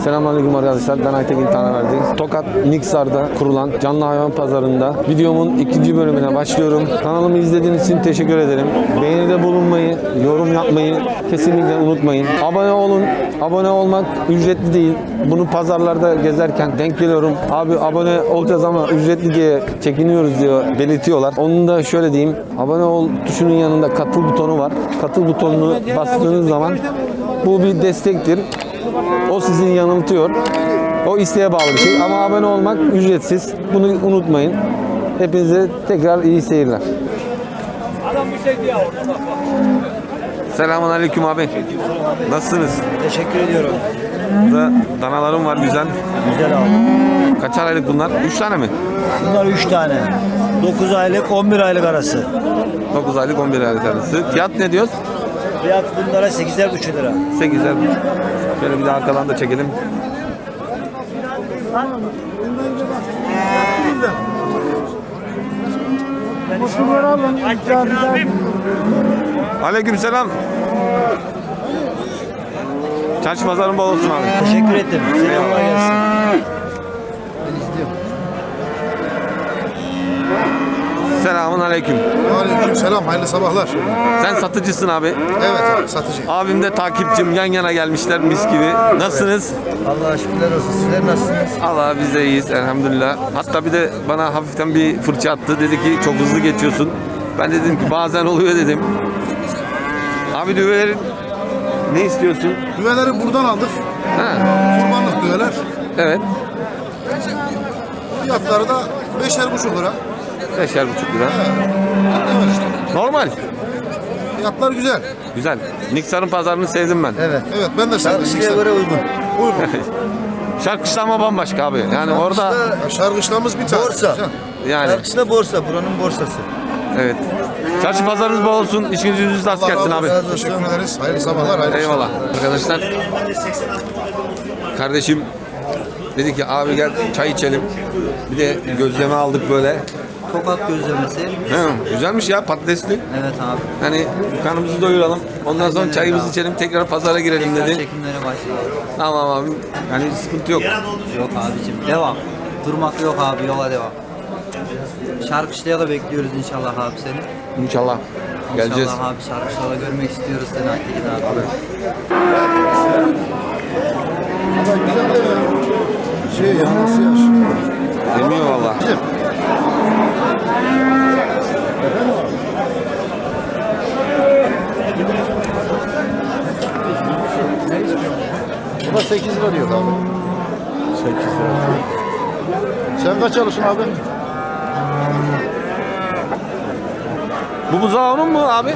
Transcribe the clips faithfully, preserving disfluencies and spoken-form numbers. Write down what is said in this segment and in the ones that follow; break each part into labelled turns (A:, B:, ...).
A: Selamünaleyküm arkadaşlar. Ben Aytekin Tanaverdi. Tokat Niksar'da kurulan canlı hayvan pazarında videomun ikinci bölümüne başlıyorum. Kanalımı izlediğiniz için teşekkür ederim. Beğenide bulunmayı, yorum yapmayı kesinlikle unutmayın. Abone olun. Abone olmak ücretli değil. Bunu pazarlarda gezerken denk geliyorum. Abi abone olacağız ama ücretli diye çekiniyoruz diyor, belirtiyorlar. Onun da şöyle diyeyim. Abone ol tuşunun yanında katıl butonu var. Katıl butonunu bastığınız zaman bu bir destektir. O sizi yanıltıyor. O isteğe bağlı bir şey. Ama abone olmak ücretsiz. Bunu unutmayın. Hepinize tekrar iyi seyirler. Selamun aleyküm abi. Nasılsınız?
B: Teşekkür ediyorum.
A: Burada danalarım var güzel.
B: Güzel abi.
A: Kaçar aylık bunlar? üç tane mi?
B: Bunlar üç tane. dokuz aylık on bir aylık arası.
A: dokuz aylık on bir aylık arası. Fiyat ne diyoruz?
B: Fiyat bunlara sekizer buçuk lira.
A: sekizer. Şöyle bir de arkadan da çekelim. Aleykümselam. Çarşı pazarın bol olsun abi.
B: Teşekkür ettim. Selamlar gelsin.
A: Selamun aleyküm.
C: Aleyküm selam, hayırlı sabahlar.
A: Sen satıcısın abi.
C: Evet abi, satıcı.
A: Abim de takipçim, yan yana gelmişler mis gibi. Nasılsınız?
B: Allah'a şükürler olsun. Sizler nasılsınız?
A: Allah biz de iyiyiz elhamdülillah. Hatta bir de bana hafiften bir fırça attı. Dedi ki çok hızlı geçiyorsun. Ben de dedim ki bazen oluyor dedim. Abi düvelerin ne istiyorsun?
C: Düveleri buradan aldık.
A: Ha,
C: Kurbanlık düveler.
A: evet.
C: Fiyatları da beşer buçuk lira.
A: Beşer buçuk lira.
C: Evet işte.
A: Normal.
C: Fiyatlar güzel.
A: Güzel. Niksar'ın pazarını sevdim ben.
B: Evet.
C: Evet, ben de sevdim.
B: Şarkışlığa göre uygun.
C: Uygun.
A: Şarkışlama bambaşka abi. Yani orada
C: Ya şarkışlamız bir tane.
B: Borsa.
A: yani
B: Şarkışla borsa. Buranın borsası.
A: evet. Çarşı pazarınız bol olsun. İşiniz yüzünüz rast
C: Allah
A: gelsin
C: razı
A: abi.
C: olsun. Teşekkür ederiz. Hayırlı sabahlar. Hayırlı
A: Eyvallah. Arkadaşlar kardeşim dedi ki abi gel çay içelim. Bir de gözleme aldık böyle.
B: Tokat gözlemesi.
A: He, güzelmiş ya patatesli.
B: Evet abi.
A: Hani karnımızı doyuralım. Ondan sonra
B: Aynen
A: çayımızı
B: öyle.
A: içelim. Tekrar pazara girelim dedi.
B: Çekimlere başlayalım.
A: Tamam abi. Yani sıkıntı yok.
B: Yok abicim. Devam. Durmak yok abi. Yola devam. Şarkışlığa da bekliyoruz inşallah abi seni.
A: İnşallah. Geleceğiz.
B: İnşallah abi şarkışlığa görmek istiyoruz seni Aytekin abi.
C: Şey ya, nasıl yaş?
A: Demiyor valla.
C: Bu da sekiz lira diyor abi. sekiz lira. Sen kaç alıyorsun abi?
A: Bu buzağı onun mu abi?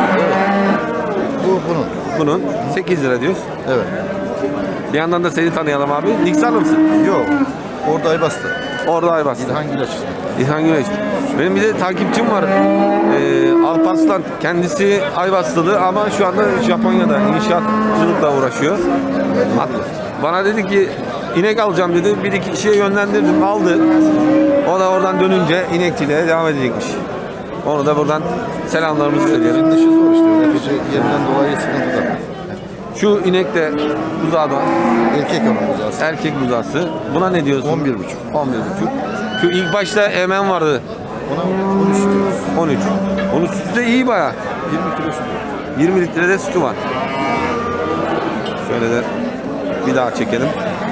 C: Bu bunun.
A: Bunun. sekiz lira diyoruz.
C: Evet.
A: Bir yandan da seni tanıyalım abi. Niksarlı mısın?
C: Yok. Orada ay bastı.
A: Orada Aybars'ta.
C: İlhan Güleç.
A: İlhan Güneş. Benim bir de takipçim var. Ee, Alparslan. Kendisi Ayvaslılı ama şu anda Japonya'da inşaatçılıkla uğraşıyor. Hat- Bana dedi ki inek alacağım dedi. Bir iki kişiye yönlendirdim. Aldı. O da oradan dönünce inekçiliğe devam edecekmiş. Onu da buradan selamlarımızı söyleyelim.
C: Şimdi işi zor işte. Netice yerinden dolayı sıkıntı da.
A: Şu inek de buzağda.
C: Erkek ama buzağısı.
A: Erkek buzağısı. Buna ne diyorsun?
C: on bir buçuk.
A: on bir buçuk. Şu ilk başta emen vardı.
C: Ona on üç diyoruz.
A: on üç. Onun sütü de iyi bayağı.
C: yirmi kilo sütü.
A: yirmi litrede sütü var. Şöyle de bir daha çekelim.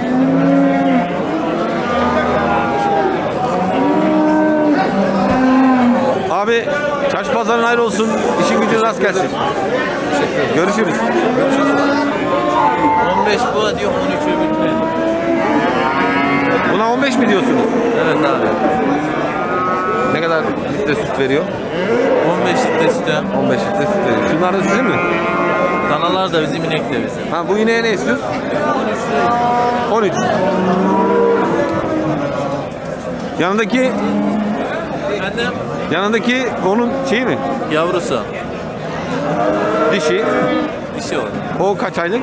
A: Abi çarşı pazarın hayır olsun. İşin gücün rast gelsin. Görüşürüz.
D: on beş bu diyor on üç öbür.
A: Buna on beş mi diyorsunuz?
D: Evet abi.
A: Ne kadar litre süt veriyor?
D: on beş litre sütü.
A: on beş litre süt veriyor. Şunlar da sizin mi?
D: Danalar da bizim, inek de bizim.
A: Ha bu ineğe ne istiyorsun? on üç. Yanındaki
D: Efendim?
A: yanındaki onun şeyi mi?
D: Yavrusu.
A: Dişi.
D: Dişi o.
A: O kaç aylık?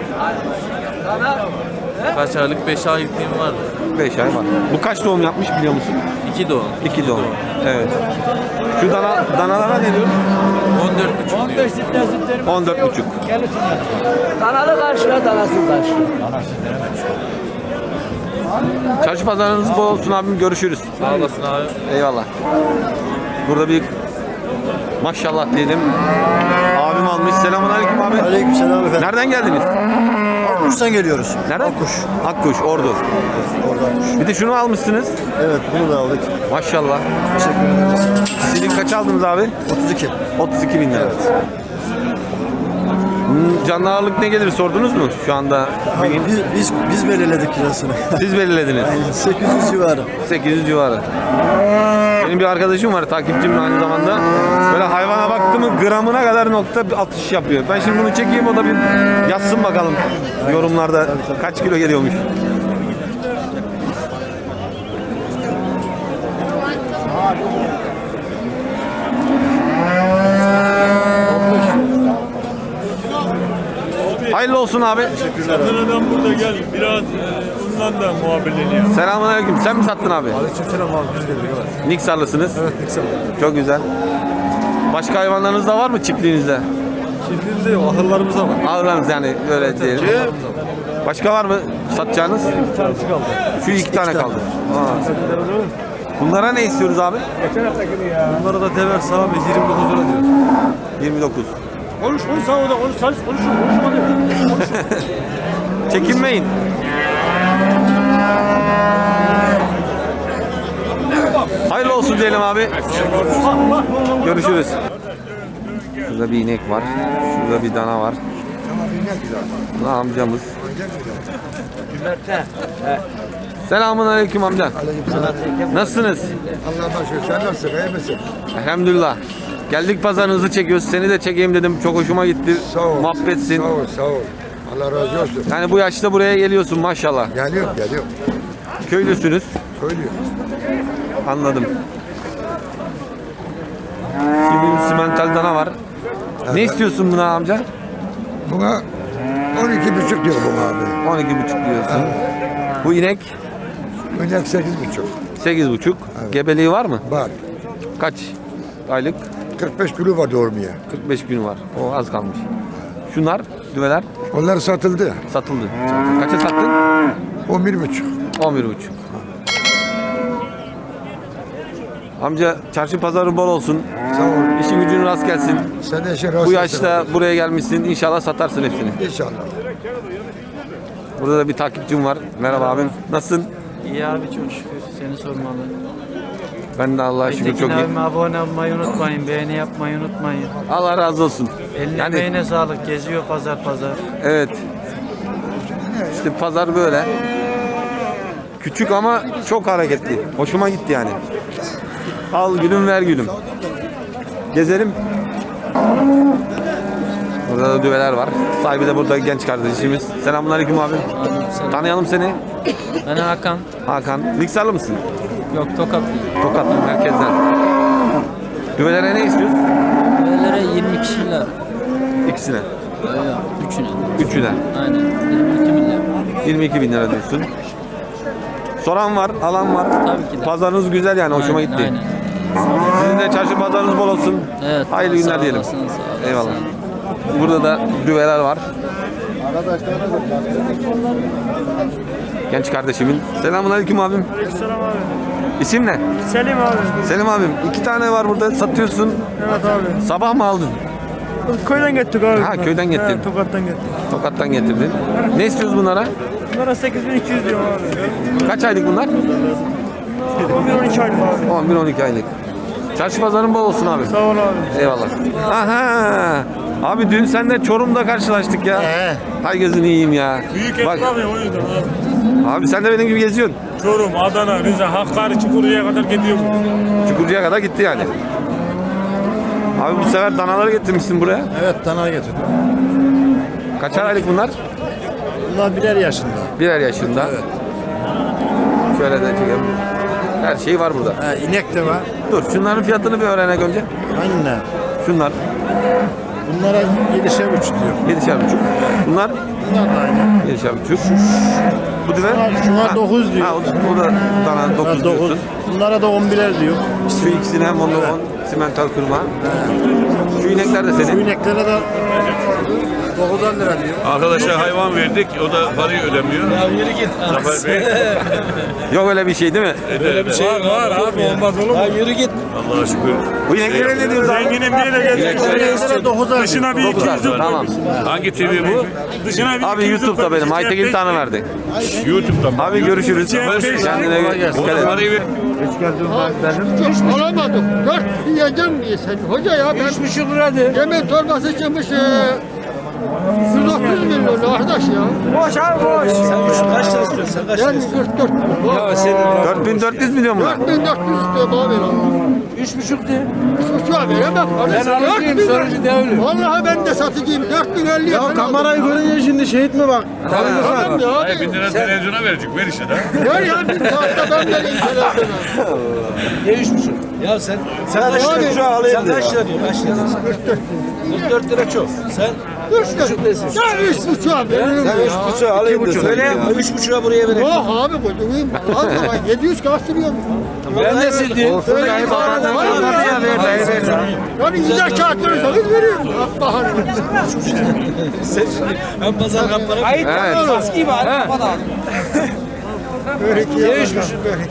D: Kaç aylık? beş aylıklığım vardı.
A: beş ay var. Bu kaç doğum yapmış biliyor musun?
D: iki doğum.
A: iki doğum. Evet. Şu dana, danalara ne diyorsun?
D: on dört buçuk
E: on
D: diyor.
E: beş litre sütlerim.
A: on dört buçuk.
E: Danalı karşıla, danasız karşıla.
A: Çarşı pazarınız bol olsun abim. Görüşürüz.
D: Sağ olasın abi.
A: Eyvallah. Burada bir maşallah diyelim. Abim almış. Selamünaleyküm abi.
C: Aleykümselam efendim.
A: Nereden geldiniz?
C: Akuş'tan geliyoruz.
A: Nereden? Akkuş. Akkuş, Ordu.
C: Oradan.
A: Bir de şunu almışsınız.
C: Evet, bunu da aldık.
A: Maşallah.
C: Teşekkür ederiz.
A: Silik kaç aldınız abi?
C: otuz iki.
A: otuz iki bin lira. Hmm, Canlı ağırlık ne gelir sordunuz mu şu anda?
C: Abi, biz, biz, biz belirledik kirasını.
A: Siz belirlediniz.
C: sekiz yüz civarı.
A: sekiz yüz civarı. Benim bir arkadaşım var, takipçim aynı zamanda. Böyle hayvana baktı mı gramına kadar nokta atış yapıyor. Ben şimdi bunu çekeyim, o da bir yazsın bakalım yorumlarda kaç kilo geliyormuş. Hayırlı olsun abi.
E: Satan adam burada gel. Biraz e, ondan da muhabirliğini yap.
A: Selamünaleyküm. Sen mi sattın abi?
C: Aleykümselam abi, biz geldik. Evet.
A: Niksarlısınız.
C: Evet, Niksarlı.
A: Çok güzel. Başka hayvanlarınız da var mı çiftliğinizde?
C: Çiftliğimizde yok, ahırlarımızda var.
A: Ağırlarınız yani öyle diyelim. Başka var mı satacağınız?
C: Bir tanesi kaldı.
A: Şu iki, tane kaldı. Aa. Bunlara ne istiyoruz abi?
C: Bunlara da dever sağ ve yirmi dokuz lira diyoruz.
A: yirmi dokuz.
E: Konuş konuş sağ ol da konuş konuş konuş konuşma diyor.
A: Çekinmeyin. Hayırlı olsun diyelim abi. Görüşürüz. Şurada bir inek var. Şurada bir dana var. Bu amcamız. Selamun aleyküm amca. Nasılsınız?
C: Allah'a şükür. Sen nasılsın? İyi misin?
A: Elhamdülillah. Geldik pazarınızı çekiyoruz. Seni de çekeyim dedim. Çok hoşuma gitti.
F: Sağ ol.
A: Muhabbetsin.
F: Sağ ol, sağ ol. Allah razı olsun.
A: Yani bu yaşta buraya geliyorsun maşallah.
F: Geliyor, geliyor.
A: Köylüsünüz.
F: Söylüyor.
A: Anladım. Şimdi bir simental dana var. Ne istiyorsun buna amca?
F: Buna on iki buçuk diyor bu abi.
A: on iki buçuk diyorsun. Bu inek
F: Önceki sekiz buçuk.
A: sekiz buçuk. Gebeliği var mı?
F: Var.
A: Kaç aylık?
F: kırk beş kilo var doğurmaya.
A: kırk beş gün var. O az kalmış. Şunlar, düveler
F: Onlar satıldı.
A: satıldı. Kaça sattın?
F: on bir buçuk.
A: on bir buçuk. Amca çarşı pazarı bol olsun.
F: Sağ ol.
A: İşin gücün rast gelsin.
F: Sen de işin rast
A: Bu
F: gelsin
A: yaşta
F: abi.
A: buraya gelmişsin. İnşallah satarsın hepsini.
F: İnşallah.
A: Burada da bir takipçim var. Merhaba abim. Nasılsın?
G: İyi abi çok şükür. Seni sormalı.
A: Ben de Allah'a şükür
G: Aytekin
A: çok iyi.
G: abime abone olmayı unutmayın. Beğeni yapmayı unutmayın.
A: Allah razı olsun.
G: Eline
A: Yani
G: emeğine sağlık. Geziyor pazar pazar.
A: evet. İşte pazar böyle. Küçük ama çok hareketli. Hoşuma gitti yani. Al gülüm ver gülüm. Gezelim. Burada da düveler var. Sahibi de burada genç kardeşimiz. Selamünaleyküm abi. Tanıyalım seni.
G: Ben Hakan.
A: Hakan. Niksarlı mısın?
G: Yok Tokatlıyım.
A: Tokatlı merkezden. Düvelere ne istiyorsun?
G: Böylere yirmi kişiler.
A: İkisine.
G: Üçüne.
A: Üçüne.
G: Aynen. yirmi iki milyar.
A: yirmi iki bin lira diyorsun. Soran var, alan var.
G: Tabii ki de.
A: Pazarınız güzel yani, hoşuma
G: Aynen,
A: gitti.
G: aynen.
A: Sizin de çarşı pazarınız bol olsun.
G: Evet.
A: Hayırlı
G: sağ
A: günler diyelim.
G: olasın, sağ olasın.
A: Eyvallah. Burada da düveler var. Genç kardeşimin. Selamünaleyküm abim.
E: Selam abi.
A: İsim ne?
E: Selim abi.
A: Selim abim. İki tane var burada, satıyorsun.
E: Evet abi.
A: Sabah mı aldın?
E: Köyden getirdik abi.
A: Ha, köyden getirdin.
E: Evet, Tokat'tan getirdik.
A: Tokat'tan getirdin. Ne istiyoruz bunlara?
E: Bunlara sekiz bin iki yüz diyor abi.
A: Kaç aylık bunlar?
E: on bir on iki aylık abi.
A: on bir on iki aylık. Çarşı pazarın bol olsun abi.
E: Sağ ol abi.
A: Eyvallah. Aha! Abi dün seninle Çorum'da karşılaştık ya. Hay gözünü yiyeyim ya.
E: Büyük
A: Bak
E: esnaf ya o yüzden abi.
A: abi sen de benim gibi geziyorsun.
E: Çorum, Adana, Rize, Hakkari, Çukuru'ya kadar gidiyor bu.
A: Çukurcu'ya kadar gitti yani. Abi bu sefer danaları getirmişsin buraya.
C: Evet, dana getirdim.
A: Kaçar aylık bunlar?
C: Bunlar birer yaşında.
A: Birer yaşında.
C: Evet.
A: Şöyle de çekelim. Her şey var burada.
C: Ha, inek de var.
A: Dur şunların fiyatını bir öğrenek önce.
C: Anne.
A: Şunlar
C: Bunlara yedişer buçuk diyor.
A: yedişer buçuk. Bunlar
C: Bunlar da aynı.
A: yedişer buçuk. Bu düve?
C: Şuna- şuna
A: Ha,
C: dokuz diyor.
A: Ha, o, o da dana dokuz diyorsun.
C: Bunlara da on birer diyor.
A: Şu ikisine hem onu on simental kırma. Şu inekler de
C: Şu
A: senin.
C: ineklere de dokuzdan lira diyor.
E: Arkadaşa hayvan verdik. O da parayı ödemiyor.
C: Ya yürü git.
E: Zafer Bey.
A: Yok öyle bir şey değil mi?
E: Böyle bir şey
C: Var var abi olmaz olur mu? Ya yürü git.
E: Allah'a şükür.
A: Bu ineklere ne diyoruz abi?
E: Zenginin birine geldik.
C: dokuzdan.
E: Dışına bir iki yüz lira.
A: Tamam.
E: Hangi T V bu? Dışına bir
A: Abi
E: iki yüz lira.
A: YouTube'da benim. Aytekin tane verdi.
E: YouTube'da mı?
A: Abi görüşürüz. Kendine dikkat
E: O da
A: et.
E: parayı ver.
H: Alamadım. Dört yiyeceğim diye sen. Hoca ya ben... Üç buçuk lira de. Yemek torbası çıkmış. E, yüz otuz milyon arkadaş ya.
C: Boş abi boş. Sen üç kaç lira istiyorsun? Sen kaç lira
H: Ben
C: istiyorsun?
H: kırk dört.
C: Ya senin
A: dört bin dört yüz milyon mu?
H: dört bin dört yüz istiyorum abi.
C: üç buçuk de.
H: üç buçuğa veremem.
C: Ben alıcıyım sonucu devrim.
H: Vallahi ben de satıcıyım. dört bin elli.
C: Ya kamerayı görünce şimdi şehit mi bak?
H: Tamam ya
E: Hayır bin
H: abi.
E: lira televizyona verecek. Ver işte de.
H: Ver ya bir saatte ben vereyim televizyona.
C: Ne üç buçuk? Ya sen sen kaç
H: Abi,
C: lira şu alayım sen kaç lira diyor? Kaç lira? kırk dört lira çok. Sen
H: Üç buçuk desin. Sen üç buçuğa veririm ya.
C: üç buçuğa alayım diyor. Söyle üç buçuğa buraya vereyim.
H: Yok abi kocuğum. Az zaman yedi yüz kastırıyor mu?
C: Ben de sildim.
H: Öyle bir para da var mı ya? Yani güzel kağıtlarsanız veriyorum. Baharı.
C: Ben pazar kaplara
A: Evet.
C: Maski var.
H: Börek yiyormuş. Börek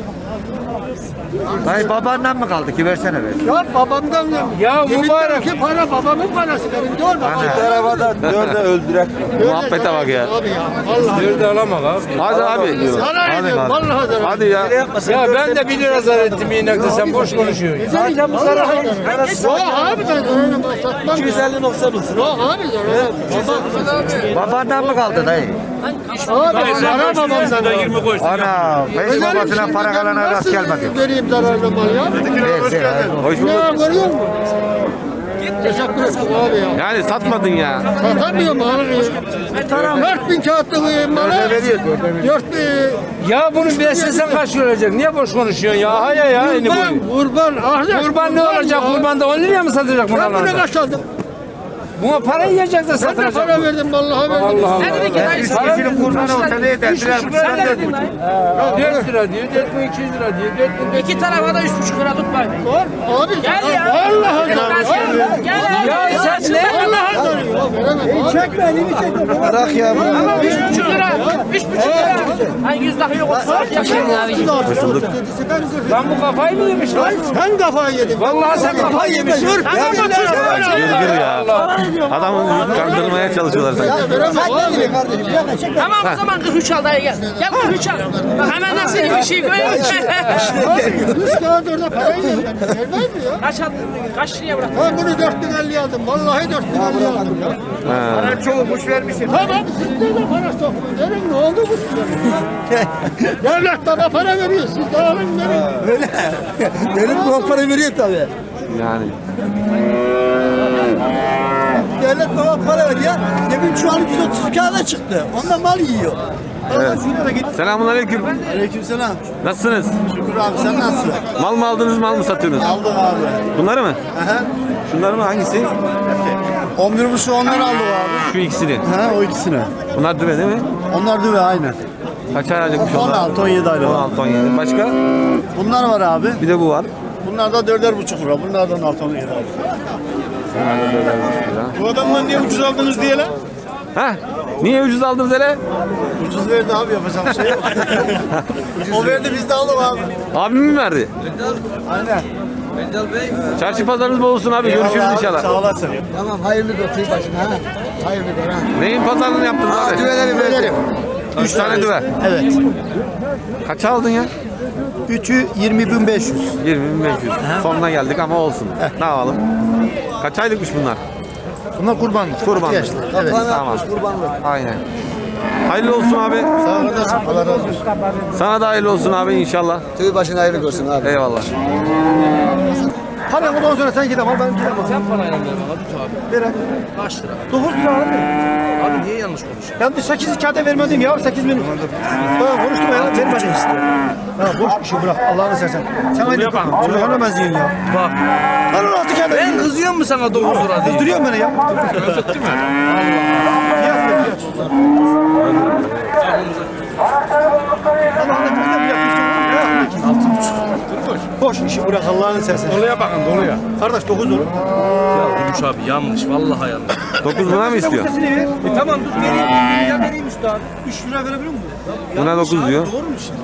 B: Dayı babandan mı kaldı ki versene ver.
H: Ya babamdan ya.
C: Ya mübarek.
H: Ki para babamın parası. Benim değil mi?
C: tarafa da dörde öldürek.
A: Muhabbete bak ya.
H: Abi ya. Vallahi.
C: Dörde alamam abi.
A: Hadi abi.
H: Zarar ediyorum. Vallahi zarar.
A: Hadi ya.
C: Ya ben de bir lira zarar ettim inekte sen boş konuşuyorsun.
H: Vallahi zarar. Yok abi ben zararım. Satmam.
C: iki yüz elli nokta bulsun.
H: Yok abi zarar.
B: Babandan mı kaldı dayı?
H: Abi zarar babamdan.
E: Sen de yirmi koysun.
B: Ana, beş babasına para kalana rast gelmedi.
H: Vereyim zararlı mal ya.
A: Hoş
H: Ne
A: bulduk.
H: görüyor musun? Teşekkür ederim abi ya.
A: Yani satmadın ya.
H: Satamıyor malı. Dört bin kağıtlı malı. Dört bin.
C: Ya bunu beslesen kaç lira olacak? Niye boş konuşuyorsun ya? Hayır ya. Aynı
H: Kurban,
C: boyu.
H: kurban. Ahmet.
C: Kurban ne olacak?
H: ya.
C: Kurbanda on liraya mı satacak
H: Ben bunu
C: bunlarla?
H: kaç aldım?
C: Buna para yiyecek de
H: Ben de
C: satacak.
H: para verdim vallahi verdim.
C: Allah Allah.
B: Para kişinin kurbanı olsa ne eder?
C: Üç buçuk lira dedin lan. Dört lira diyor, dört bin iki yüz lira diyor, dört bin
I: İki tarafa da üç buçuk lira tutmayın.
H: Abi
I: Gel ya.
H: vallahi
I: Gel ya.
C: Ya sen ne?
H: vallahi veremem. Çekme elimi çekme.
C: Bırak ya.
I: Üç buçuk lira. Üç buçuk lira. Hani yüz daha yok.
H: Hoş bulduk.
C: Lan bu kafayı mı yemiş lan?
H: Sen kafayı yedin.
C: Vallahi sen kafayı yemişsin.
A: Gırgır ya. Adamı kandırmaya çalışıyorlar sanki.
I: Tamam o zaman kırk üç al dayı gel. Gel kırk üç al. Bak hemen nasıl bir şey görüyor musun?
H: Yüz kağıt orada parayı yedim. Vermez mi ya?
I: Kaç aldın? Kaç liraya bıraktın?
H: Ben bunu dört bin elli aldım. Vallahi dört bin elli aldım ya.
B: Para çoğumuş vermişsin.
H: Tamam sizde de para sokmuyor. Verin ne oldu bu size? Devlet bana para veriyor. Siz de alın verin.
C: Benim bu parayı veriyor tabii.
A: Yani.
C: Devlet bana para veriyor ya. Demin şu an yüz otuz kağıda çıktı. Ondan mal yiyor.
A: Evet. Selamun aleyküm.
C: Aleykümselam.
A: Nasılsınız?
C: Şükür abi sen nasılsın?
A: Mal mı aldınız, mal mı satıyorsunuz?
C: Aldım abi.
A: Bunları mı?
C: Aha.
A: Şunları mı? Hangisi?
C: on bir buçuk onlar aldım abi.
A: Şu ikisini.
C: Ha o ikisini.
A: Bunlar düve değil mi?
C: Onlar düve aynen.
A: Kaç aylıkmış onlar?
C: on altı on yedi aylık.
A: on altı on yedi. Başka?
C: Bunlar var abi.
A: Bir de bu var.
C: Bunlar da dörder buçuk lira. Bunlar da on altı on yedi abi.
E: Bu adamdan niye ucuz aldınız diye lan?
A: Heh. Niye ucuz aldınız hele?
C: Ucuz verdi abi yapacağım bir şey yok. O verdi biz de alalım abi.
A: Abim mi verdi?
C: Aynen.
A: Çarşı pazarınız bol olsun abi. Görüşürüz
C: Eyvallah abi,
A: inşallah.
C: Sağ olasın.
F: Tamam hayırlı götür başına ha. Hayırlı götür ha.
A: Neyin pazarlığını yaptınız abi?
C: Düveleri verelim.
A: Üç tane düve.
C: Evet.
A: Kaça aldın ya?
C: Üçü yirmi bin beş yüz.
A: yirmi bin beş yüz. Sonuna geldik ama olsun. Ne yapalım? Kaç aylıkmış bunlar?
C: Bunlar kurbanlık.
A: Kurbanlık.
C: Yaşlı. Evet.
A: Tamam. Aynen. Hayırlı olsun abi.
C: Sağ olasın. Allah razı olsun.
A: Sana da hayırlı olsun abi inşallah.
F: Tüy başına hayırlı görsün abi.
A: Eyvallah.
C: Hadi ondan sonra sen git ama ben gidemem.
G: Sen parayla ver bana abi.
C: Ver.
G: Kaç lira?
C: dokuz lira abi.
G: Abi niye yanlış konuşuyorsun?
C: Ben de sekiz kağıda vermedim ya. sekiz bin. Ben konuştum ya. Vermedim işte. Ya boş bir şey bırak. Allah'ını seversen. Sen aynı yapalım. Çocuk ona benziyorsun ya.
G: Bak.
C: Lan on altı kağıda.
G: Ben kızıyor mu sana dokuz lira diye?
C: Kızdırıyorsun beni ya. Özetti mi? Allah. Fiyat ver fiyat. Allah'ını bir de bir yapıyorsun. Altı buçuk. boş işi bırak Allah'ını seversen.
E: Doluya bakın doluya.
C: Kardeş dokuz olur.
G: Ya Gümüş abi yanlış. Vallahi yanlış.
A: dokuz buna mı istiyor?
C: Sesini ver.
G: E tamam dur vereyim. Ya vereyim üstad.
C: üç lira verebilir miyim?
A: Buna dokuz diyor.
C: Doğru mu şimdi?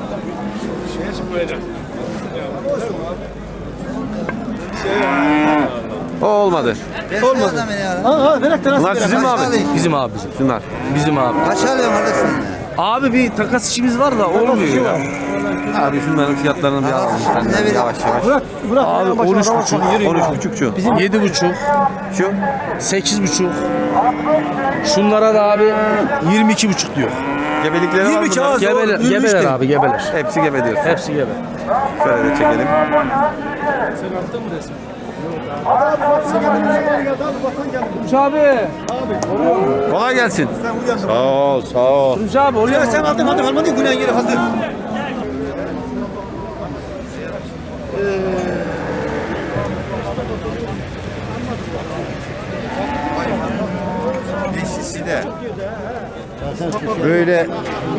A: O olmadı.
B: Olmadı.
C: Ha ha verek de nasıl
A: Bunlar sizin mi abi?
G: Bizim abi bizim.
A: Şunlar.
G: Bizim abi.
B: Kaç alıyorsun kardeş sen?
G: Abi bir takas işimiz var da olmuyor ya.
A: Abi şunların fiyatlarını bir alalım. Senden
B: vereyim?
A: yavaş yavaş.
C: Bırak bırak.
G: Abi
C: Başına
G: on üç
C: araba
G: buçuk.
C: koy, yürü.
A: on üç buçuk şu.
G: Yedi buçuk.
A: Şu.
G: Sekiz buçuk. Şunlara da abi yirmi iki buçuk diyor.
A: Gebelikleri var
C: yirmi
A: mı?
C: kağıt.
G: Gebeler,
C: yirmi üç
G: gebeler
C: değil.
G: abi gebeler.
A: Hepsi gebe diyorsun.
G: Hepsi gebe.
A: Şöyle de çekelim.
G: Abi.
A: Kolay gelsin. Sağ ol, sağ ol.
G: Gümüş abi oluyor
C: Ya
G: mu?
C: sen aldın aldın almadın günah yeri hazır.
F: Beşisi de böyle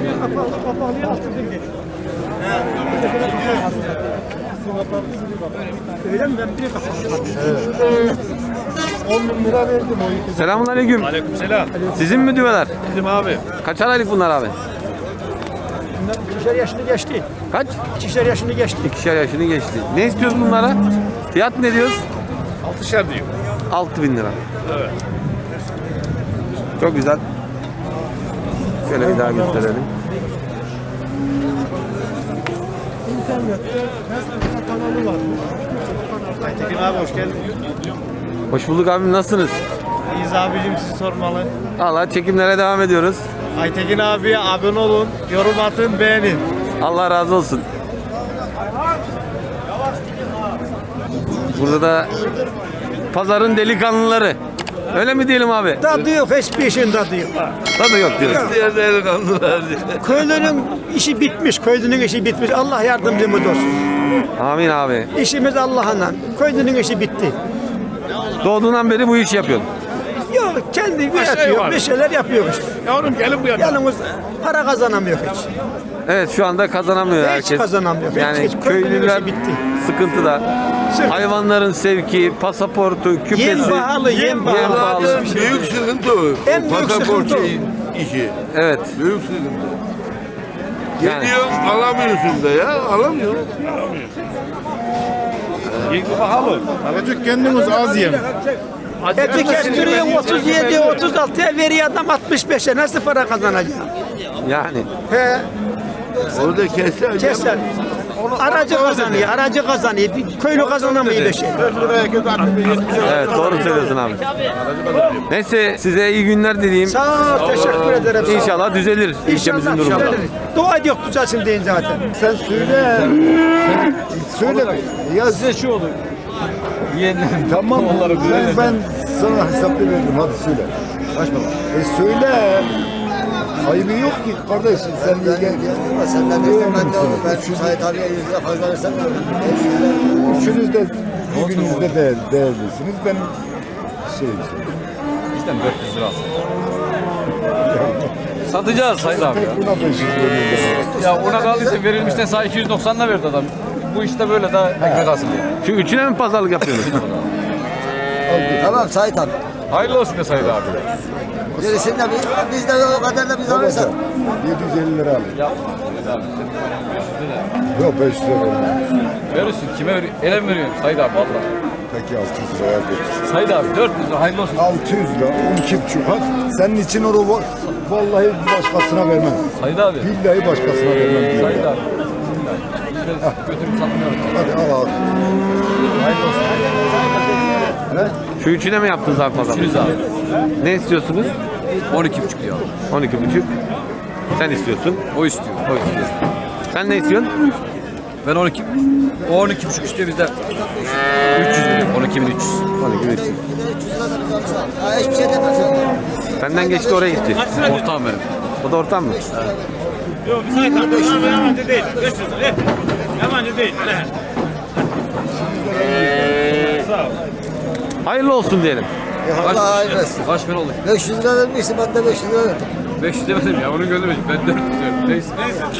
C: Öyle mi ben bir kapattım. on bin lira verdim o ikisi.
A: Selamünaleyküm.
E: Aleykümselam.
A: Sizin mi düveler?
E: Bizim abi.
A: Kaçar aylık bunlar abi?
C: İkişer yaşını geçti.
A: Kaç?
C: İkişer yaşını geçti.
A: İkişer yaşını geçti. Ne istiyoruz bunlara? Fiyat ne diyoruz?
E: Altışar diyeyim.
A: altı bin lira.
E: Evet.
A: Çok güzel. Şöyle bir daha gösterelim.
E: Aytekin abi hoş geldin.
A: Hoş bulduk abim, nasılsınız?
E: İyiyiz abicim sizi sormalı.
A: Allah, çekimlere devam ediyoruz.
E: Aytekin abiye abone olun, yorum atın, beğenin.
A: Allah razı olsun. Burada da pazarın delikanlıları. Öyle mi diyelim abi?
C: Tadı yok, hiçbir işin tadı yok.
A: Tadı yok diyoruz.
C: Köylünün işi bitmiş, köylünün işi bitmiş. Allah yardımcımız olsun.
A: Amin abi.
C: İşimiz Allah'la. Köylünün işi bitti.
A: Doğduğundan beri bu işi yapıyorsun.
C: Yok, kendi üretiyor, bir şeyler yapıyor işte.
E: Yavrum gelin bu yana.
C: Yalnız para kazanamıyor hiç.
A: Evet, şu anda kazanamıyor
C: Hiç
A: herkes.
C: kazanamıyor. Hiç,
A: Yani
C: hiç. Köylünün
A: köylüler
C: işi bitti.
A: sıkıntıda.
C: Sırf-
A: Hayvanların sevki, pasaportu, küpesi.
C: Yem pahalı, yem
A: Yem
C: pahalı.
A: pahalı.
F: büyük sıkıntı o.
C: En büyük
F: Pasaport
C: sıkıntı o.
F: şeyin işi.
A: Evet.
F: Büyük sıkıntı.
A: Yani.
F: Geliyor alamıyorsun da ya alamıyorsun.
E: Yenge pahalı. Alacak kendiniz az yem.
C: Eti kestiriyorsun otuz yedi, otuz altıya veriyor adam altmış beşe. Nasıl para kazanacak?
A: Yani.
C: He,
F: Orada keser.
C: keser. Aracı kazanıyor, aracı kazanıyor. Bir köylü kazanamıyor bir şey.
A: Evet, doğru söylüyorsun abi. Neyse, size iyi günler dileyim.
C: Sağ ol, teşekkür ederim. sağ ol.
A: İnşallah düzelir ilçemizin
C: İnşallah
A: durumu.
C: düzelir. Dua ediyor düzelsin deyin zaten.
F: Sen söyle. Söyle. Ya size şu olur. Tamam ben, ben sana hesaplı veririm hadi söyle. Kaç baba? E söyle. Ayıbı yok ki kardeş sen de gel.
B: Senden de ben de olur. Ben Sait abiye yüz lira fazla versem mi?
F: Üçünüz de birbiriniz de değer, değerlisiniz. Ben şey
D: Satacağız Sayın abi ya.
F: buna beş yüz veriyorum.
D: Ya ona kaldıysa verilmişten sağ iki yüz doksanla verdi adam. Bu işte böyle daha ekmek alsın diye.
A: Şu üçüne mi pazarlık yapıyorsunuz?
B: Tamam Sait abi.
D: Hayırlı olsun be Sayın abi.
B: Gerisini de biz, biz de o kadar da biz alırsak.
F: yedi yüz elli lira alın. Yok beş yüz lira veriyorum.
D: Verirsin kime veriyorsun? Ele mi veriyorsun Sayın abi valla?
F: Peki altı yüz liraya ver.
D: Sayın abi dört yüz lira hayırlı olsun.
F: altı yüz lira, on iki buçuk. Hadi senin için onu va- vallahi başkasına vermem.
D: Sayın abi.
F: Billahi başkasına vermem. diyor.
D: Sayın abi. Götürüp satmıyorum.
F: Hadi al al.
D: Hayırlı olsun.
A: Şu üçüne mi yaptınız abi pazarlık?
D: Üçünüz abi.
A: Ne istiyorsunuz?
D: on iki buçuk diyor.
A: on iki buçuk. Sen istiyorsun.
D: O istiyor.
A: O istiyor. Sen ne istiyorsun?
D: Ben on iki. O on iki buçuk istiyor bizden. üç yüz veriyor. on iki bin üç yüz.
A: on iki buçuk.
B: Ha, hiçbir şey demez.
A: Senden geçti, oraya gitti.
D: Ortağım benim.
A: O da ortam mı?
E: Yok bir sayı tartışma yabancı değil. beş yüz lira. Yabancı değil. Ne? Sağ ol.
A: Hayırlı olsun diyelim.
B: Allah hayır versin.
D: Kaç para oldu?
B: beş yüz lira vermişsin ben de beş yüz lira verdim.
D: beş yüz demedim ya, onu göndermedim. Ben dört yüz diyorum. Neyse.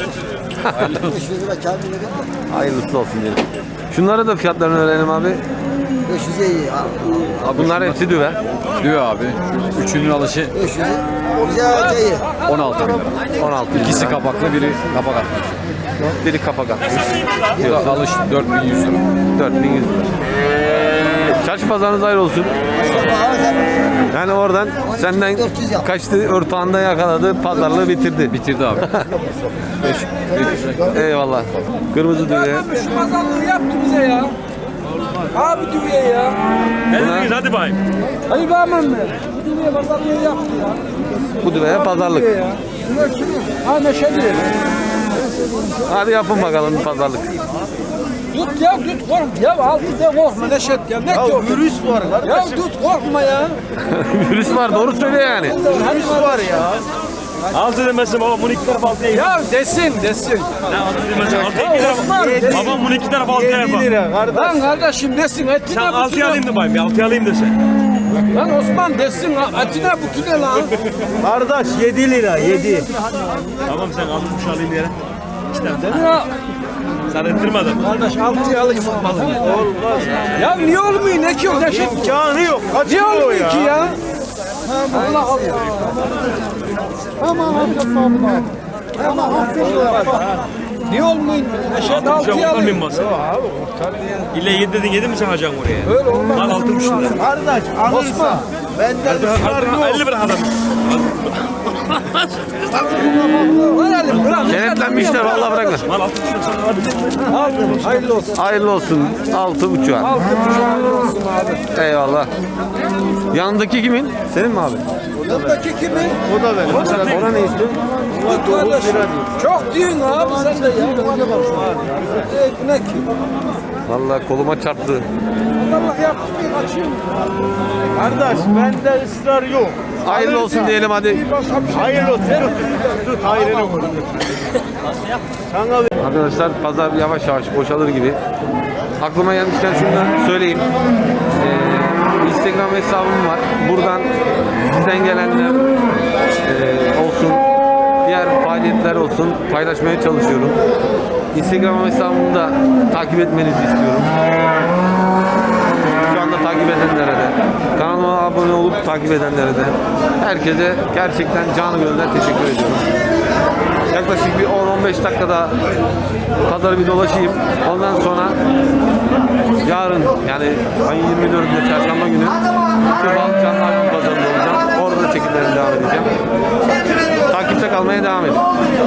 A: Hayırlısı olsun diyelim. Şunlara da fiyatlarını öğrenelim abi.
B: beş yüze iyi.
A: Bunlar hepsi düve.
D: Diyor abi. Üçünün alışı
B: beş yüze. Güzel iyi.
D: on altı bin lira.
A: on altı bin
D: İkisi
A: lira.
D: kapaklı, biri kapak atmış.
A: Biri kapak atmış.
D: Bu da alış dört bin yüz lira.
A: dört bin yüz lira. Çarşı pazarınız hayır olsun. Yani oradan senden kaçtı, ortağında yakaladı, pazarlığı bitirdi.
D: Bitirdi abi.
A: Eyvallah. Kırmızı düve.
G: Şu pazarlığı yaptı bize ya. Abi düğüye ya.
E: Ne dediniz hadi bayım.
G: Hayır bağırmam ben. Bu düğüye pazarlığı yaptı ya.
A: Bu düveye pazarlık.
G: Ha Neşe diyor.
A: Hadi yapın bakalım pazarlık.
G: Tut ya tut korkma. Ya altı de korkma Neşet ya. Ne diyor? Virüs var kardeşim. Ya tut korkma ya.
A: Virüs var, doğru söyle yani.
G: Virüs var ya.
E: Altı demesin baba bunu iki taraf altıya yapar.
G: Ya desin desin.
E: Ne altı demesin altıya iki taraf. Baba bunu iki taraf altıya yapar.
G: Lan kardeşim desin etine
E: Sen altıya
G: butune.
E: alayım da bayım bir altıya alayım da sen.
G: Lan Osman desin etine butune lan.
C: Kardeş yedi lira yedi.
E: Tamam sen altı buçuk alayım yere. İki tane.
G: Ya,
E: Sen ettirmedin.
C: Kardeş altıya alayım olmaz. Olmaz.
G: ya niye olmuyor ne ki o Neşet?
C: İmkanı yok. Kaç
G: Niye
C: kilo
G: olmuyor ki ya? Allah Allah.
H: Tamam amca abi. Tamam
G: Niye olmuyor? Neşet
E: Altı buçuk
G: altıya
E: oradan
G: alıyor.
E: bin basa. İlle yedi dedin yedi mi sen alacaksın oraya? Öyle olmaz. Mal altı buçuk lira.
C: Kardeş alırsa benden ısrar yok.
E: elli bırak adam.
G: Var elim bırak.
A: Kenetlenmişler, vallahi bırakma.
E: Mal altı buçuk lira.
G: Aldım. Hayırlı olsun.
A: Hayırlı olsun. Altı buçuğa.
G: Altı buçuk hayırlı olsun abi.
A: Eyvallah. Yanındaki kimin? Senin mi abi?
G: Yanındaki kimin?
C: O da benim.
A: Ona ne istiyorsun?
G: Kardeş, çok diyorsun abi sen de ya. Bana bak. Ee, ne ki?
A: Vallahi koluma çarptı.
G: Allah yaptı bir kaçayım.
C: Kardeş bende ısrar yok.
A: Hayırlı olsun diyelim hadi.
C: Hayırlı olsun. Tut hayrını vur. Sana ver.
A: Arkadaşlar pazar yavaş yavaş boşalır gibi. Aklıma gelmişken şunu da söyleyeyim. Ee, Instagram hesabım var. Buradan sizden gelenler ee, olsun, diğer faaliyetler olsun paylaşmaya çalışıyorum. Instagram hesabımı da takip etmenizi istiyorum. Şu anda takip edenlere de, kanalıma abone olup takip edenlere de, herkese gerçekten canı gönülden teşekkür ediyorum. Yaklaşık bir on on beş dakikada pazarı bir dolaşayım. Ondan sonra yarın yani ayın yirmi dördünde çarşamba günü Kıbal Canlı Hayvan Pazarı'nda olacağım. Orada da çekimlerime devam edeceğim. Takipte kalmaya devam edin.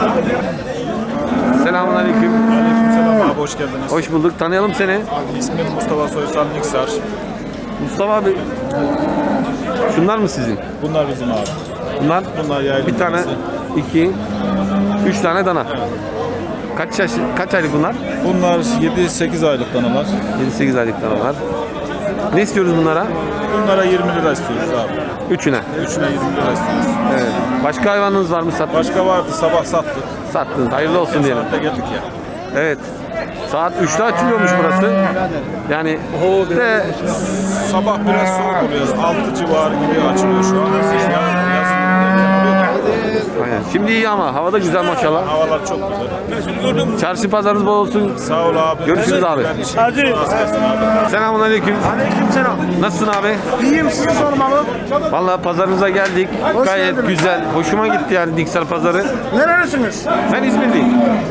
A: Selamun aleyküm.
E: Aleykümselam abi hoş geldiniz.
A: Hoş bulduk. Tanıyalım seni.
E: İsmim Mustafa Soysal Niksar.
A: Mustafa abi. Şunlar mı sizin?
E: Bunlar bizim abi.
A: Bunlar,
E: Bunlar yaylım.
A: bir tane, iki, üç tane dana. Kaç yaş, kaç aylık bunlar?
E: Bunlar yedi sekiz aylık danalar.
A: yedi sekiz aylık danalar. Ne istiyoruz bunlara?
E: Bunlara yirmi lira istiyoruz abi.
A: Üçüne.
E: Üçüne yirmi lira istiyoruz.
A: Evet. Başka hayvanınız var mı sattınız?
E: Başka vardı sabah sattık.
A: Sattınız. Hayırlı olsun diyelim.
E: Saatte geldik ya.
A: Evet. Saat üçte açılıyormuş burası. Yani de
E: Sabah biraz soğuk oluyor. altı civarı gibi açılıyor şu an. Yarın yazın
A: aynen. Şimdi iyi ama havada güzel maşallah.
E: havalar çok güzel.
A: Çarşı pazarınız bol olsun.
E: Sağ ol abi.
A: Görüşürüz abi.
E: Hadi.
A: Selamun aleyküm.
C: Aleykümselam.
A: Nasılsın abi?
C: İyiyim sizi sormalı.
A: Vallahi pazarınıza geldik. Gayet güzel. Hoşuma gitti yani Diksel pazarı.
C: Nerelisiniz?
A: Ben İzmirliyim.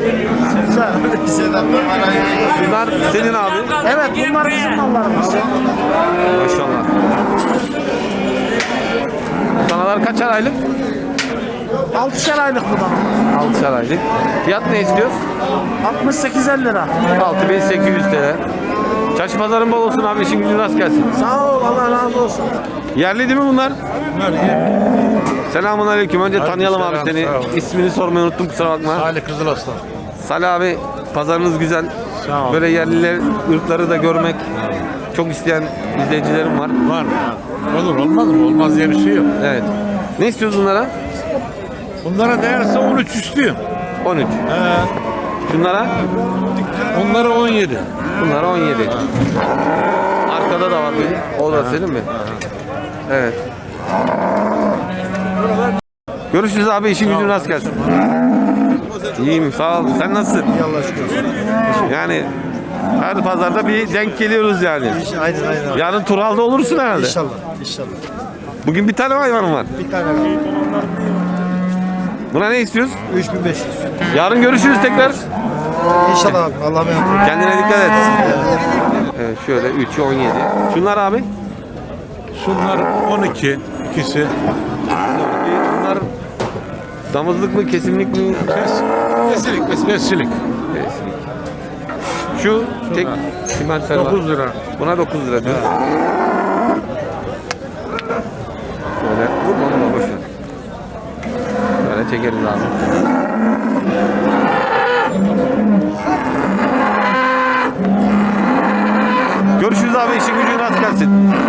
A: Bunlar senin abi.
C: Evet bunlar bizim mallarımız.
A: Maşallah. Danalar kaçar aylık?
C: Altışar aylık bu da.
A: altışar aylık. Fiyat ne istiyoruz?
C: altmış sekiz elli lira.
A: altı bin sekiz yüz T L. Çarşı pazarın bol olsun abi, işin gücün rast gelsin.
C: Sağ ol Allah razı olsun.
A: Yerli değil mi bunlar? Selamun aleyküm. Önce tanıyalım abi seni. İsmini sormayı unuttum, kusura bakma.
F: Ali Kızılaslan.
A: Salih abi, pazarınız güzel.
F: Sağ ol.
A: Böyle yerliler, ırkları da görmek çok isteyen izleyicilerim var.
F: Var mı? Olur olmaz mı? Olmaz diye bir şey yok.
A: Evet. Ne istiyoruz bunlara?
F: Bunlara değerse on üç istiyor.
A: on üç. Şunlara?
F: Onlara on yedi.
A: Bunlara on yedi. Arkada da var bir. O da senin mi? Evet. Görüşürüz abi. İşin gücün rast gelsin. İyiyim sağ ol. Sen nasılsın?
C: İyi Allah'a şükür.
A: Yani her pazarda bir denk geliyoruz yani.
C: Aynen aynen.
A: Yarın Tural'da olursun herhalde.
C: İnşallah. İnşallah.
A: Bugün bir tane hayvanım var.
C: Bir tane kaldı.
A: Buna ne istiyoruz?
C: üç bin beş yüz.
A: Yarın görüşürüz tekrar.
C: İnşallah abi. Allah'a emanet.
A: Kendine dikkat et. Evet şöyle üç on yedi. Şunlar abi?
E: Şunlar on iki. ikisi.
A: Bunlar damızlık mı, kesimlik mi?
E: Besilik, bes- besilik.
A: Şu tek simental var.
E: dokuz lira.
A: Buna dokuz lira diyor. Şöyle vurma onu boş ver. Böyle çekeriz abi. Görüşürüz abi, işin gücün rast gelsin.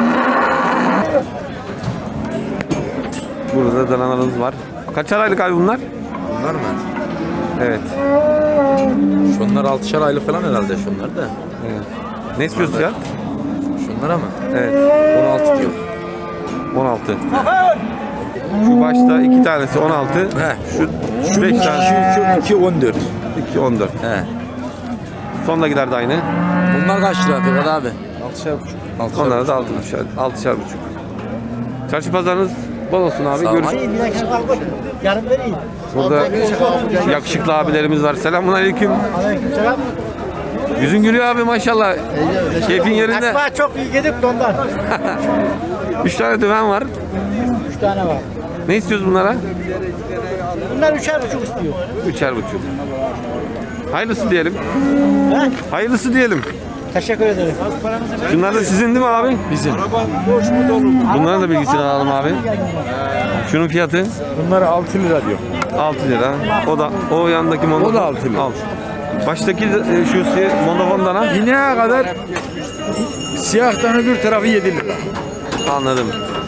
A: Burada danalarımız var. Kaçar aylık abi bunlar?
D: Bunlar mı?
A: Evet.
D: Şunlar altışar aylık falan herhalde şunlar da.
A: Evet. Ne istiyorsun ya?
D: Şunlara mı?
A: Evet.
D: on altı diyor.
A: on altı. Şu başta iki tanesi on altı.
D: He.
A: Şu, şu beş tanesi
D: Şu iki on dört.
A: iki on dört.
D: He.
A: Sondakiler de aynı.
D: Bunlar kaç lira Fikret abi? altışar buçuk. altışar
A: Onlara da altmışar, altışar buçuk. Çarşı pazarınız bol olsun abi.
D: Sağ ol.
A: Görüşürüz.
C: Yarın vereyim.
A: Burada yakışıklı abilerimiz var. Selamun aleyküm.
C: Selam.
A: Yüzün gülüyor abi maşallah. Keyfin yerinde.
C: Akbağa çok iyi yedik de ondan.
A: Üç tane düven var.
C: Üç tane var.
A: Ne istiyoruz bunlara?
C: Bunlar üçer buçuk istiyor.
A: Üçer buçuk. Hayırlısı diyelim.
C: He?
A: Hayırlısı diyelim.
C: Teşekkür ederim.
A: Şunlar da sizin değil mi abi? Bizim. Bunların da bilgisini alalım abi. Şunun fiyatı
E: Bunlara altı lira diyor.
A: altı lira. O da o yandaki mono.
E: O da altı lira.
A: Alt. Baştaki e, şu si- monofon dana
E: İneğe kadar siyahtan öbür tarafı yedi lira.
A: anladım.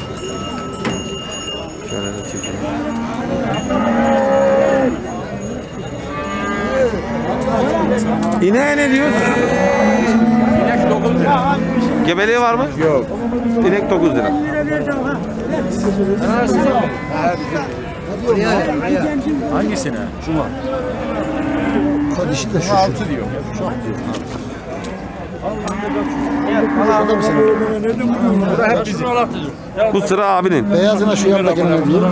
A: Şöyle de çekeyim. İneğe ne diyorsun?
E: İnek dokuz lira.
A: Gebeliği var mı?
E: Yok.
A: İnek dokuz lira.
E: Hangisine? Şu mu?
F: Dişi de şu.
E: altı diyor. Bura hep bizim.
A: Bu sıra abinin.
F: Beyazına şu yanında gelen diyor.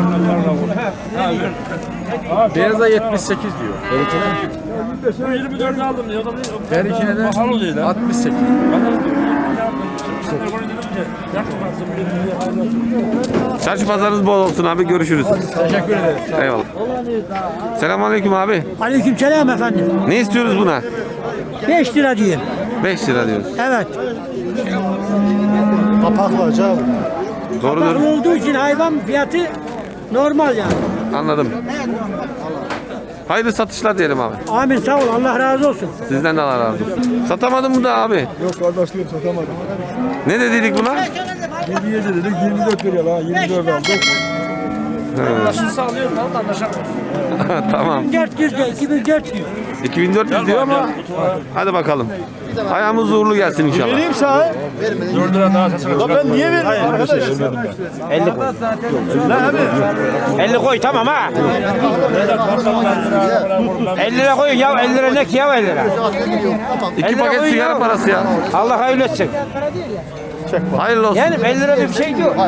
E: Beyaza yetmiş sekiz diyor. yirmi dört aldım diyor. Her ikine de altmış sekiz.
A: Çarşı pazarınız bol olsun abi. Görüşürüz.
E: Teşekkür ederim.
A: Eyvallah. Selamünaleyküm abi.
C: Aleykümselam efendim.
A: Ne istiyoruz buna?
C: beş lira diyeyim.
A: beş lira diyoruz.
C: Evet.
F: Kapaklı acaba.
A: Doğrudur.
C: Bakım olduğu için hayvan fiyatı normal yani.
A: Anladım. Hayırlı satışlar diyelim abi.
C: Amin sağ ol Allah razı olsun.
A: Sizden de Allah razı olsun. Satamadın mı da abi?
F: Yok kardeşliğim satamadım.
A: Ne dediydik buna?
F: yedi yedi dedik yirmi dört liraya lan yirmi dört aldık.
A: Tamam.
C: dört yüz de iki bin dört yüz.
A: iki bin dört yüz diyor ama hadi bakalım. Ayağımız uğurlu gelsin inşallah.
F: Vereyim sana.
E: dört lira daha satın.
F: Lan ben niye verdim arkadaş?
G: elli koy tamam ha. elli lira koyun ya elli lira ne ki ya elli lira.
A: İki paket sigara parası ya.
G: Allah hayırlı etsin.
A: Hayırlı olsun.
G: Yani elli lira bir şey diyor.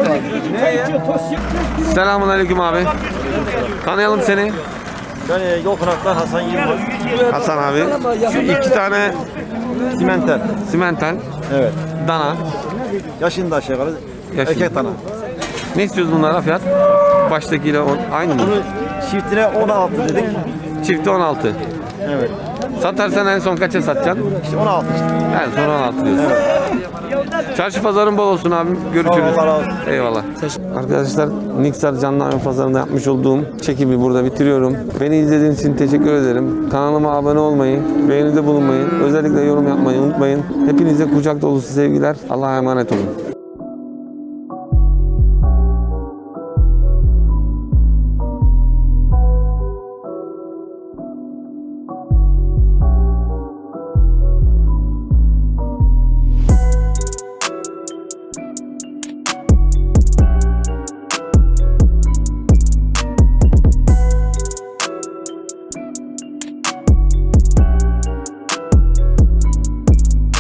A: Selamun aleyküm abi. Tanıyalım seni.
C: Ben yol konaktan Hasan Yılmaz.
A: Hasan abi. Şu iki tane
C: Simental.
A: simental.
C: Evet.
A: Dana.
C: Yaşında aşağı yukarı.
A: Yaşında.
C: Erkek dana.
A: Ne istiyoruz bunlara fiyat? Baştakiyle on, aynı mı?
C: Çiftine on altı dedik.
A: Çifti on altı.
C: Evet.
A: Satarsan en son kaça satacaksın?
C: İşte on altı işte.
A: En son on altı diyorsun. Çarşı pazarın bol olsun abim. Görüşürüz.
C: Allah razı olsun.
A: Eyvallah. Arkadaşlar Niksar Canlı Hayvan Pazarı'nda yapmış olduğum çekimi burada bitiriyorum. Beni izlediğiniz için teşekkür ederim. Kanalıma abone olmayı, beğenide bulunmayı, özellikle yorum yapmayı unutmayın. Hepinize kucak dolusu sevgiler. Allah'a emanet olun.